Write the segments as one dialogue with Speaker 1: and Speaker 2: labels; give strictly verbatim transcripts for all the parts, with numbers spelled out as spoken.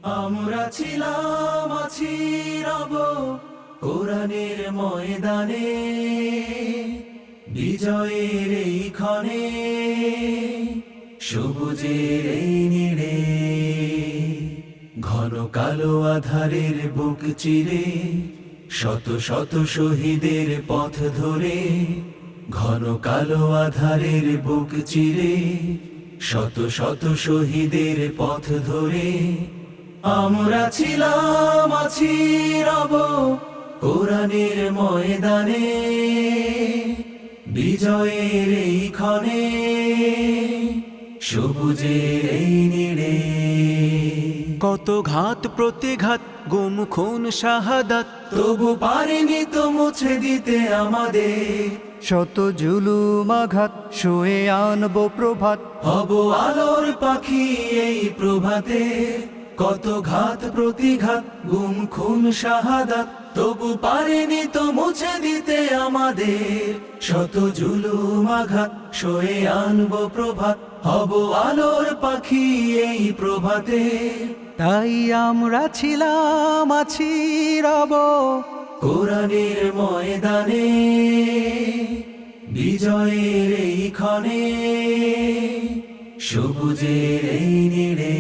Speaker 1: আমরা ছিলাম আছি রব কোরআনের ময়দানে, বিজয়ের এই ক্ষণে, সবুজের এই নীড়ে। ঘন কালো আধারের বুক চিরে, শত শত শহীদের পথ ধরে। ঘন কালো আধারের বুক চিরে, শত শত শহীদের পথ ধরে। আমরা ছিলাম আছি রব কোরআনের ময়দানে, বিজয়ের এই ক্ষণে, সবুজের এই নীড়ে।
Speaker 2: কত ঘাত প্রতিঘাত, গুম খুন শাহাদাত,
Speaker 1: তবু পারিনি তো মুছে দিতে আমাদের।
Speaker 3: শত জুলুম আঘাত, শুয়ে আনবো প্রভাত।
Speaker 1: হব আলোর পাখি এই প্রভাতে। কত ঘাত প্রতিঘাত, গুম খুন শাহাদাত, তবু পারেনি তো মুছে দিতে আমাদের। শত জুলুম আঘাত, সয়ে আনবো প্রভাত। হব আলোর পাখি এই প্রভাতে।
Speaker 3: তাই আমরা ছিলাম আছি রব
Speaker 1: কোরআনের ময়দানে, বিজয়ের এই ক্ষণে, সবুজের এই নীড়ে।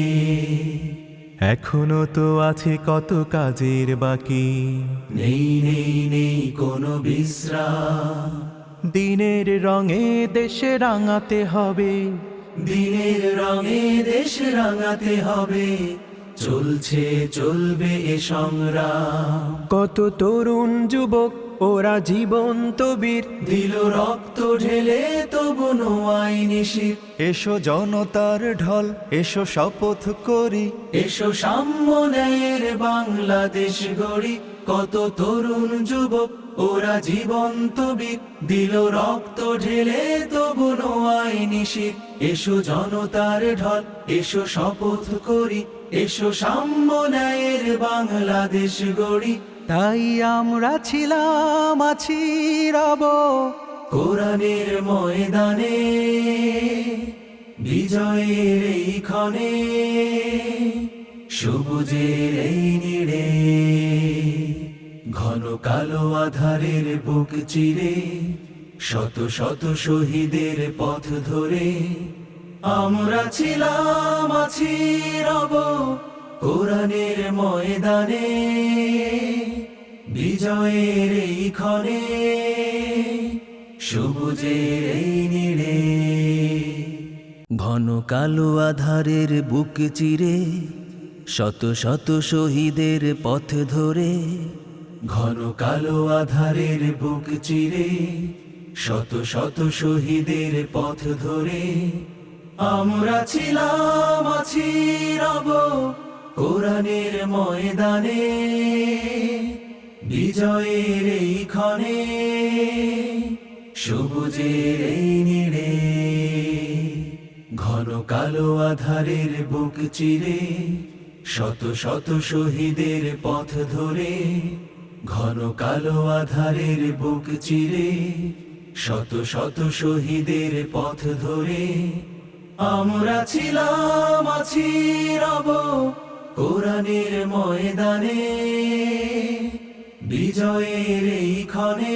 Speaker 2: এখনো তো আছে কত কাজের বাকি,
Speaker 1: নেই নেই নেই কোনো বিশ্রাম।
Speaker 2: দিনের রঙে দেশে রাঙাতে হবে,
Speaker 1: দিনের রঙে দেশ রাঙাতে হবে। চলছে চলবে এ সংগ্রাম।
Speaker 2: কত তরুণ যুবক ওরা জীবন্ত বীর,
Speaker 1: দিল রক্ত ঢেলে তবু নোয়াই নিশির।
Speaker 2: এসো জনতার ঢল, এসো শপথ করি,
Speaker 1: এসো সাম্য ন্যায়ের বাংলাদেশ গড়ি। কত তরুণ যুবক ওরা জীবন্ত বীর, দিল রক্ত ঢেলে তবু নোয়াই নিশির। এসো জনতার ঢল, এসো শপথ করি, এসো সাম্য ন্যায়ের বাংলাদেশ গড়ি।
Speaker 3: তাই আমরা ছিলাম আছি রব
Speaker 1: কোরআনের ময়দানে, বিজয়ের এই ক্ষণে, সবুজের এই নীড়ে। ঘন কালো আধারের বুক চিরে, শত শত শহীদের পথ ধরে। আমরা ছিলাম আছি রব কোরআনের ময়দানে, বিজয়ের এই ক্ষণে, সবুজের এই নীড়ে। ঘন কালো আধারের বুক চিরে, শত শত শহীদের পথ ধরে। ঘন কালো আধারের বুক চিরে, শত শত শহীদের পথ ধরে। আমরা ছিলাম আছি রব কোরআনের ময়দানে, বিজয়ের এই ক্ষণে, সবুজের এই নীড়ে। ঘন কালো আধারের বুক চিরে, শত শত শহীদের পথ ধরে। ঘন কালো আধারের বুক চিরে, শত শত শহীদের পথ ধরে। আমরা ছিলাম আছি রব কোরআনের ময়দানে, বিজয়ের এই ক্ষণে,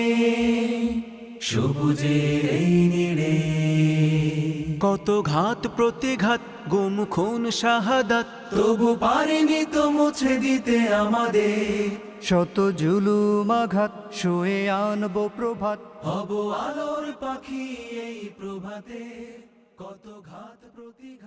Speaker 1: সবুজের এই নীড়ে।
Speaker 2: কত ঘাত প্রতিঘাত, গুম খুন শাহাদাত,
Speaker 1: তবু পারিনি তো মুছে দিতে আমাদের।
Speaker 3: শত জুলুম আঘাত, শুয়ে আনবো প্রভাত।
Speaker 1: হব আলোর পাখি এই প্রভাতে। কত ঘাত প্রতিঘাত।